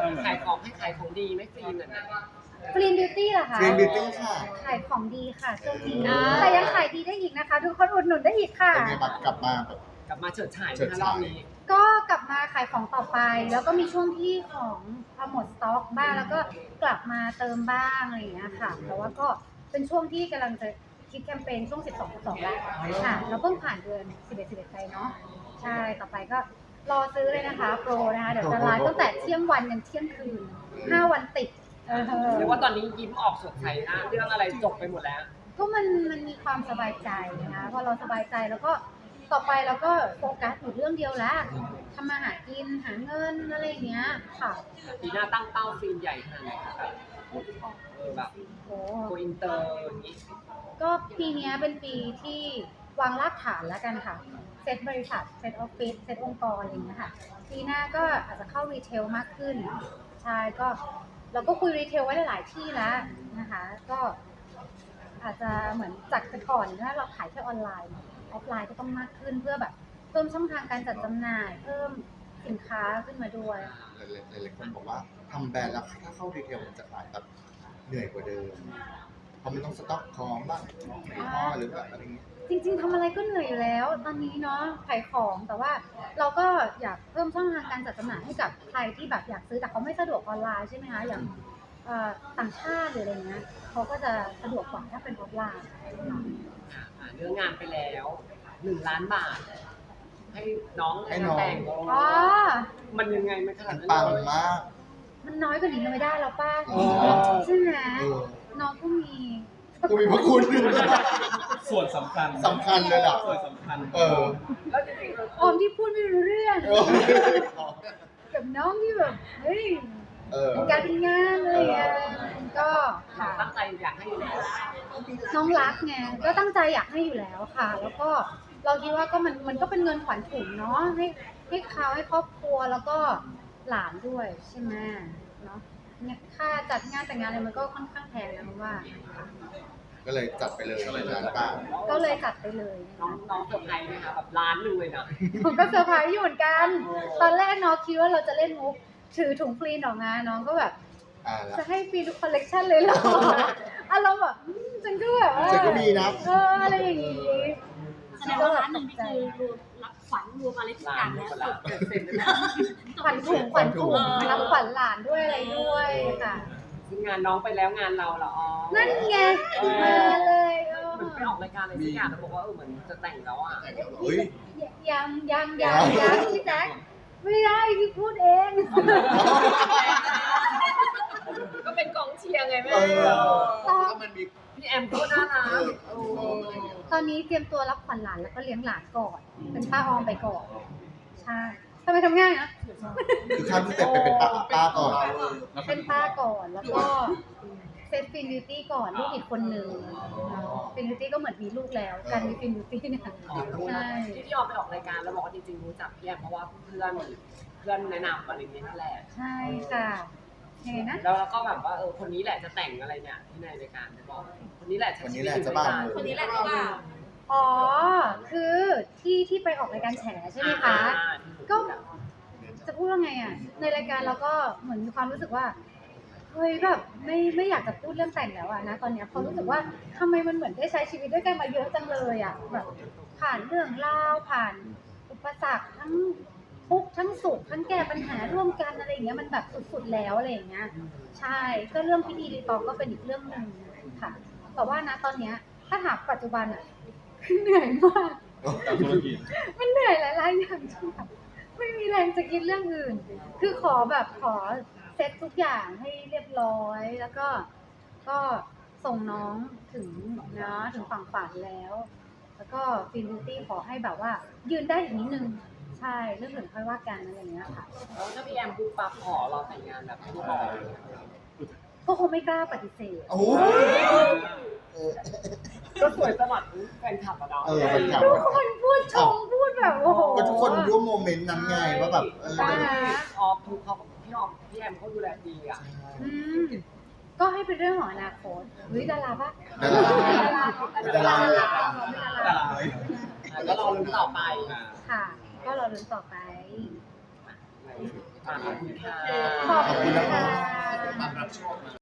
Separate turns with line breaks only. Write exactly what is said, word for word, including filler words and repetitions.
ขายของให้ขายของดีไม่ฟรีเหมือนกัน
กรีนบิวตี้เหรอคะ
Green Beauty ค่ะ
ขายของดีค่ะช่วงนี้แต่ยังขายดีได้อีกนะคะ ทุกคนอุดหนุนได้อีกค่ะ
เป็นไงบัตรกลับมาแบบ
กลับมาเฉิดฉาย
เฉิด
นะ
ฉาย
รอบนี้
ก็กลับมาขายของต่อไป แล้วก็มีช่วงที่ของพอหมดสต็อกบ้างแล้วก็กลับมาเติมบ้างอะไรอย่างเงี้ยค่ะแต่ว่าก็เป็นช่วงที่กำลังจะคิดแคมเปญช่วงสิบสอง สิบสองแล้วค่ะเราเพิ่งผ่านเดือนสิบเอ็ด สิบเอ็ดไปเนาะใช่ต่อไปก็รอซื้อเลยนะคะโปรนะคะเดี๋ยวจะไลฟ์ตั้งแต่เที่ยงวันยันเที่ยงคืนห้าวันติดเออ
เรียกว่าตอนนี้ยิ้มออกสดใสนะเรื่องอะไรจบไปหมดแล้ว
ก็มันมันมีความสบายใจนะพอเราสบายใจแล้วก็ต่อไปเราก็โฟกัสอยู่เรื่องเดียวละทำมาหากินหาเงินอะไรอย่างเงี้ยค่ะ
ปีหน้าตั้งเป้าฟิล์มใหญ่ขนาดไหนคะแบบเออแบบ
โอ้
โกอินเตอร์อย่างนี้
ก็ปีเนี้ยเป็นปีที่วางรากฐานแล้วกันค่ะเซตบริษัทเซตออฟฟิศเซตองค์กรอะไรอย่างเงี้ยค่ะปีหน้าก็อาจจะเข้ารีเทลมากขึ้นใช่ก็เราก็คุยรีเทลไว้หลายๆที่แล้วนะคะก็อาจจะเหมือนจากแต่ก่อนถ้าเราขายแค่ออนไลน์ออฟไลน์ก็ต้องมากขึ้นเพื่อแบบเพิ่มช่องทางการจัดจำหน่าย เพิ่มสินค้าขึ้นมาด้วย
หลายๆคนบอกว่าทำแบรนด์แล้วถ้าเข้ารีเทลมันจะขายแบบเหนื่อยกว่าเดิมเพราะมันต้องสต็อกของบ้างในห่อหรือแบบอะไรอย่างเงี้ย
จริงๆทำอะไรก็เหนื่อยอยู่แล้วตอนนี้เนาะขายของแต่ว่าเราก็อยากเพิ่มช่องทางการจัดจำหน่ายให้กับใครที่แบบอยากซื้อแต่เขาไม่สะดวกออนไลน์ใช่ไหมคะอย่างเอ่อต่างชาติหรืออะไรเงี้ยเขาก็จะสะดวกกว่าถ้าเป็นออนไลน์
อ่าเรื่องงานไปแล้วหนึ่งล้านบาท ให้น้อง
ให้น้อง
แต่ง
อ๋อ
มันยังไงมันขนาด
มัน
นั้น
ปัง
เลย
มาก
มันน้อยกว่านี้ไม่ได้แล้วป้า
เออ
ใช่ไหม
เออ
น้องก็มี
กูมีพระคุณ
ส่วนสำคัญ
สำคัญเลยล่ะ
ส่วนสำคัญ
เออ
แล้วจริงๆเออ
ออมที่พูดไม่รู้เรื่อง
เออ
กับน้องที่แบบเฮ้ย
เออ
เป็นการเป็นงานอะไรอย่างเงี้ยก็ค่ะ
ตั้งใจอยากให้อยู่แล้ว
น้องรักไงก็ตั้งใจอยากให้อยู่แล้วค่ะ แล้วก็เราคิดว่าก็มันมันก็เป็นเงินขวัญถุงเนาะให้ให้เขาให้ครอบครัวแล้วก็หลานด้วยใช่ไหมเนาะเนี่ยค่าจัดงานแต่งงานอะไรมันก็ค่อนข้างแพงนะเพราะว่า
ก็เลยจัดไปเลยร้านป้า
ก็เลยจัดไปเลย
น้องน้องเซอร์ไพรส์ไหมคะแบบล้านหนึ่งเลยนะ
ผมก็เซอร์ไพรส์อยู่เหมือนกัน ตอนแรกน้องคิดว่าเราจะเล่นมุกถือถุงฟรีนออกมาน้องก็แบบ
อ่าละ
จะให้ฟรีทุกคอลเลกชันเลยเหรออารมณ์แบบอืมฉันก็แบบว่า
ฉันก็มีนะ
เอออะไรอย่างงี้
แสดงว่าร้านหนึ่งนี่คือรวมรับขวัญรวมอะไรทุกอย่างแล้ว
ล้านเปอร์เซ็นต์เลยนะ
ขวัญถุงขวัญถุงรับขวัญหลานด้วยอะไรด้วยค่ะ
ซึ่งงานน้องไปแล้วงานเราเหรออ๋อ
นั่นไงมาเลยเออ
เหมือนไปออกรายการอะไรสักอย่างแล้วบอกว่าเออเหมือนจะแต่งแล้วอ่ะ
เฮ้ย
ยังยังยังยังพี่แจ๊คไม่ได้พี่พูดเอง
ก็เป็นกองเชียร์ไงแม่
เออแล้วมันมี
พี่แอมก็น่ารัก
เออ
โอ้
ตอนนี้เตรียมตัวรับขวัญหลานแล้วก็เลี้ยงหลานก่อน เป็นป้าออมไปก่อนใช่ทำไมทำง่ายนะ
คือข้ามสเต็ปไปเป็นป้าป้าก่อน
เป็นป้าก่อนแล้วก็เซตฟินบิวตี้ก่อนลูกอีกคนหนึ่งฟินบิวตี้ก็เหมือนมีลูกแล้วการมีฟินบิวตี้เนี่ยใช่
ที่พี่ออมไปออกรายการแล้วบอกว่าจริงๆรู้จักพี่แอมเพราะว่าเพื่อนเพื่อนแนะนำอะไรอย่างเงี้ยนั่นแหละ
ใช่ค่ะยังไงนะ
แล้วเราก็แบบว่าเออคนนี้แหละจะแต่งอะไรเนี่ยที่ในรายการจะบอกคนนี้แหละ
คนนี้แหละจะบ้า
คนนี้แหละที่ว่า
อ๋อคือที่ที่ไปออกรายการแฉใช่ไหมคะ ก็ จะพูดว่าไงอ่ะ ในรายการเราก็เหมือนมีความรู้สึกว่าเฮ้ยแบบไม่ไม่อยากจะพูดเรื่องแต่งแล้วอะนะตอนเนี้ยเพราะรู้สึกว่าทำไมมันเหมือนได้ใช้ชีวิตด้วยกันมาเยอะจังเลยอะแบบผ่านเรื่องราวผ่านอุปสรรคทั้งทุกข์ทั้งสุขทั้งแก้ปัญหาร่วมกันอะไรอย่างเงี้ยมันแบบสุดๆแล้วอะไรอย่างเงี้ยใช่ก็เรื่องพิธีรีตองก็เป็นอีกเรื่องหนึ่งค่ะแต่ว่านะตอนเนี้ยถ้าถามปัจจุบันอะเหนื่อยมาก
กับธุรกิจ
มันเหนื่อยหลายๆอย่างที่แบบไม่มีแรงจะคิดเรื่องอื่น คือขอแบบขอเซ็ตทุกอย่างให้เรียบร้อย แล้วก็ก็ส่งน้องถึงเนาะถึงฝั่งฝันแล้ว แล้วก็ฟินบิวตี้ขอให้แบบว่า ยืนได้อีกนิดนึง ใช่เรื่องอื่นค่อยว่ากันอะไรอย่างเงี้ยค่ะ
แล้วถ้าพี่แอมปุ๊บปั๊บขอเราแต่งงานแบบไม่บอก
ก็คงไม่กล้าปฏิเสธ
โอ้ยเออ
ก็สวยตลอดแฟนคลับอะเนาะ
เออแฟนคลับ
ทุกคนพูดชมพูดแบบโอ้โห
ก็ทุกคนร่วมโมเมนต์นั้นไงว่าแบบเออ
ใช่
ออฟทุกเขาพี่ออฟพี่แอมเขาดูแลดีอ่ะ
อืมก็ให้เป็นเรื่องของอนาคตเฮ้ยดาราปะ
ดารา
ดารา
ดารา
ดาราดา
ดา
รา
ราเลย
แล้วรอลุ้นต่อไป
ค่ะ ก็รอลุ้นต่อไป
อ
ขอบคุณค่ะ
ขอบคุณค่ะ
ความรับชอบ